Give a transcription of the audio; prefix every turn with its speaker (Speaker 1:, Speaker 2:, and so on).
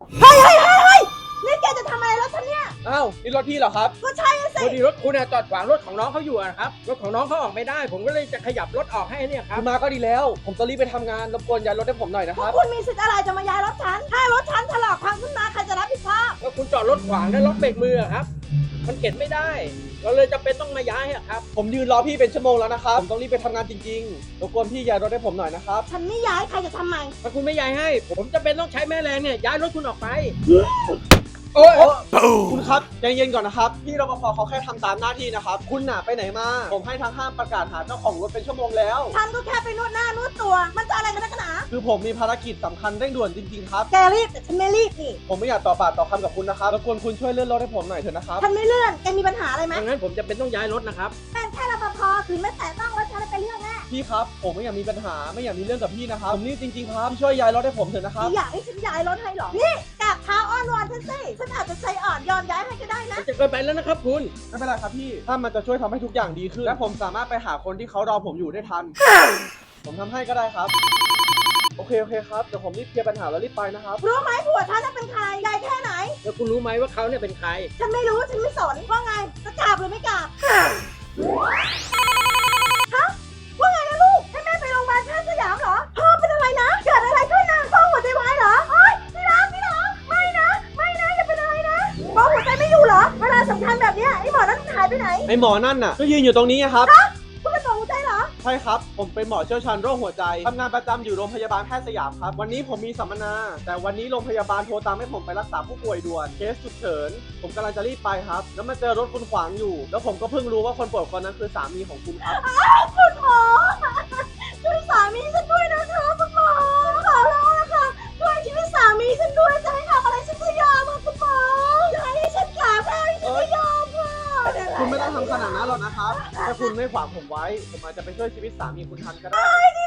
Speaker 1: เฮ้ยนี่แกจะทำอะไรรถฉันเนี่ย
Speaker 2: อ้าวนี่รถพี่เหรอครับ
Speaker 1: ก็ใช่สิ
Speaker 2: พอดีรถคุณจอดขวางรถของน้องเขาอยู่ครับรถของน้องเขาออกไม่ได้ผมก็เลยจะขยับรถออกให้เนี่ยครับมาก็ดีแล้วผมต้องรีบไปทำงานรบกวนย้ายรถให้ผมหน่อยนะ
Speaker 1: พ
Speaker 2: คว รั
Speaker 1: ก
Speaker 2: บ
Speaker 1: คุณมีสิทธิ์อะไรจะมาย้ายรถฉันถ้ารถฉันถลอกพังขึ้นมาใครจะรับผิดชอบ
Speaker 2: ก็คุณจอดรถขวางแล้วล็อกเบรกมือครับมันเข็นไม่ได้เราเลยจำเป็นต้องมาย้ายครับผมยืนรอพี่เป็นชั่วโมงแล้วนะครับผมต้องรีบไปทำงานจริงๆรบกวนพี่ย้ายรถให้ผมหน่อยนะครับ
Speaker 1: ฉันไม่ย้ายใครจะทำไม
Speaker 2: ถ้าคุณไม่ย้ายให้ผมจำเป็นต้องใช้แม่แรงเนี่ยย้ายรถคุณออกไปโอ้ยคุณครับใจเย็นก่อนนะครับพี่รปภเขาแค่ทำตามหน้าที่นะครับคุณน่ะไปไหนมาผมให้ทางห้างประกาศหาเจ้าของรถเป็นชั่วโมงแล้ว
Speaker 1: ฉันก็แค่ไปนวดหน้านวดตัวมันจะอะไรกันนักหนา
Speaker 2: คือผมมีภารกิจสำคัญเร่งด่วนจริงๆครับ
Speaker 1: แกรีบแต่ฉันไม่รีบนี่
Speaker 2: ผมไม่อยากต่อปากต่อคำกับคุณนะครับรบกวนคุณช่วยเลื่อนรถให้ผมหน่อยเถอะนะครับ
Speaker 1: ฉันไม่เลื่อนแกมีปัญหาอะไรไหม
Speaker 2: งั้นผมจะเป็นต้องย้ายรถนะครับ
Speaker 1: เป็นแค่รปภคือไม่แตะต้องรถฉันเป็นเรื่องแน่
Speaker 2: พี่ครับผมไม่อยากมีปัญหาไม่อยากมีเรื่องกับพี่นะครับผมนี่จริงๆครับช่วยย้ายรถให้ผมเถอะนะครับ
Speaker 1: อยากให้ฉันย้ายรถให้หรอนี่กราบเท้าอ้อนวอนฉันสิฉันอาจจะใจอ่อนยอมย้ายให้ก็ได้นะ
Speaker 2: จะเกินไปแล้วนะครับคุณไม่เป็นไรครับพี่ถ้ามันจะช่วยทำให้ทุกอย่างดีขึ้นและผมสามารถไปหาคนที่เขารอผมอยู่ได้ทันผมทำให้ก็ได้ครับโอเคครับเดี๋ยวผมรีบเคลียร์ปัญหาแล้วรีบไปนะครับ
Speaker 1: รู้ไหมผัวฉันเป็นใครใหญ่แค่ไหน
Speaker 2: แล้วคุณรู้ไหมว่าเขาเนี่ยเป็นใคร
Speaker 1: ฉันไม่รู้ฉันไม่สนว่าไงจะกราบหรือไม่กราบฮะว่าไงนะลูกให้แม่ไปโรงพยาบาลแพทย์สยามเหรอพ่อเป็นอะไรนะเกิดอะไรขึ้นนะพ่อหัวใจวายเหรอโอ๊ยพี่รักไม่นะอย่าเป็นอะไรนะพ่อหัวใจไม่อยู่เหรอเวลาสำคัญแบบเนี้ยไอ้หมอนั่นหายไปไหน
Speaker 2: ไอหมอนั่นน่ะก็ยืนอยู่ตรงนี้ครับ
Speaker 1: คุณเป็นหมอหัวใจเหรอ
Speaker 2: ใช่ครับผมเป็นหมอเชี่ยวชาญโรคหัวใจทำงานประจำอยู่โรงพยาบาลแพทย์สยามครับวันนี้ผมมีสัมมนาแต่วันนี้โรงพยาบาลโทรตามให้ผมไปรักษาผู้ป่วยด่วนเคสฉุกเฉินผมกำลังจะรีบไปครับแล้วมาเจอรถคุณขวางอยู่แล้วผมก็เพิ่งรู้ว่าคนป่วยคนนั้นคือสามีของคุณครับ
Speaker 1: คุณหมอช่วยสามีฉันด้วยนะคะคุณหมอขอร้องนะคะช่วยชีวิตสามีฉันด้วยจะให้ทำอะไรฉันก็ยอมค่ะคุณหมอจะให้ฉันกราบให้ฉันก็ยอมค่ะ
Speaker 2: คุณไม่ต้องทำขนาดนั้นหรอกนะครับถ้าคุณไม่ขวางผมไว้ผมอาจจะไปช่วยชีวิตสามีคุณทันก็ได้
Speaker 1: จ